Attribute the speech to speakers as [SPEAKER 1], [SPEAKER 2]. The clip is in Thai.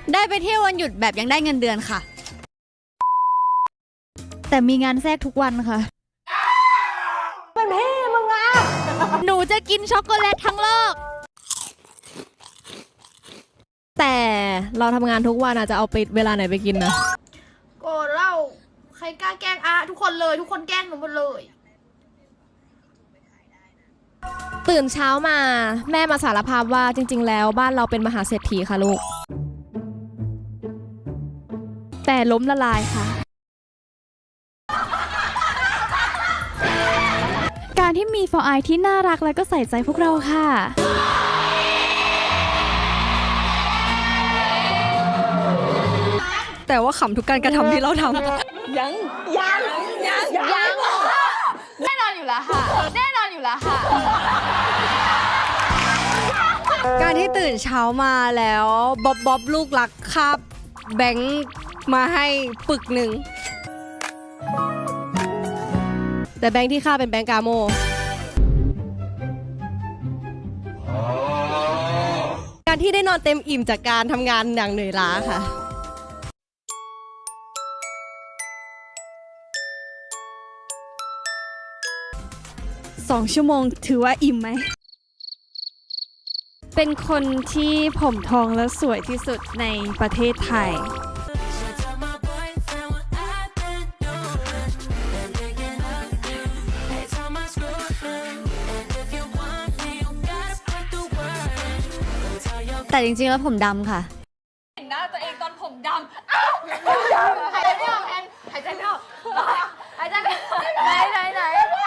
[SPEAKER 1] ได้ไปเที่ยววันหยุดแบบยังได้เงินเดือนค่ะ
[SPEAKER 2] แต่มีงานแทรกทุกวันค่ะเป็นพี่มึงอ่ะหนูจะกินช็อกโกแลตทั้งโลก
[SPEAKER 3] แต่เราทำงานทุกวันอาจจะเอาไปเวลาไหนไปกินนะ
[SPEAKER 4] โกรธเล่าใครกล้าแกล้งอะทุกคนเลยทุกคนแกล้งหนูหมดเลย
[SPEAKER 3] ตื่นเช้ามาแม่มาสารภาพว่าจริงๆแล้วบ้านเราเป็นมหาเศรษฐีค่ะลูก
[SPEAKER 2] แต่ล้มละลายค่ะการที่มีฟอร์ไอที่น่ารักและก็ใส่ใจพวกเราค่ะ
[SPEAKER 1] แต่ว่าขำทุกการกระทำที่เราทำ
[SPEAKER 4] ยังแน่นอนอยู่แล้วค่ะแน่นอนอยู่แล้วค่ะ
[SPEAKER 1] การที่ตื่นเช้ามาแล้วบ๊อบลูกรักคาบแบงค์มาให้ปึกหนึ่ง
[SPEAKER 3] แต่แบงค์ที่ค่าเป็นแบงค์กาโมการที่ได้นอนเต็มอิ่มจากการทำงานอย่างเหนื่อยล้าค่ะ
[SPEAKER 2] 2 ชั่วโมงถือว่าอิ่มไหมเป็นคนที่ผมทองและสวยที่สุดในประเทศไทย
[SPEAKER 1] แต่จริงๆแล้วผมดำค่ะ
[SPEAKER 4] เห็นหน้าตัวเองตอนผมดำอ้าวหายใจไม่ออกแอนหายใจไม่ออกหายใจไม่ออกไหน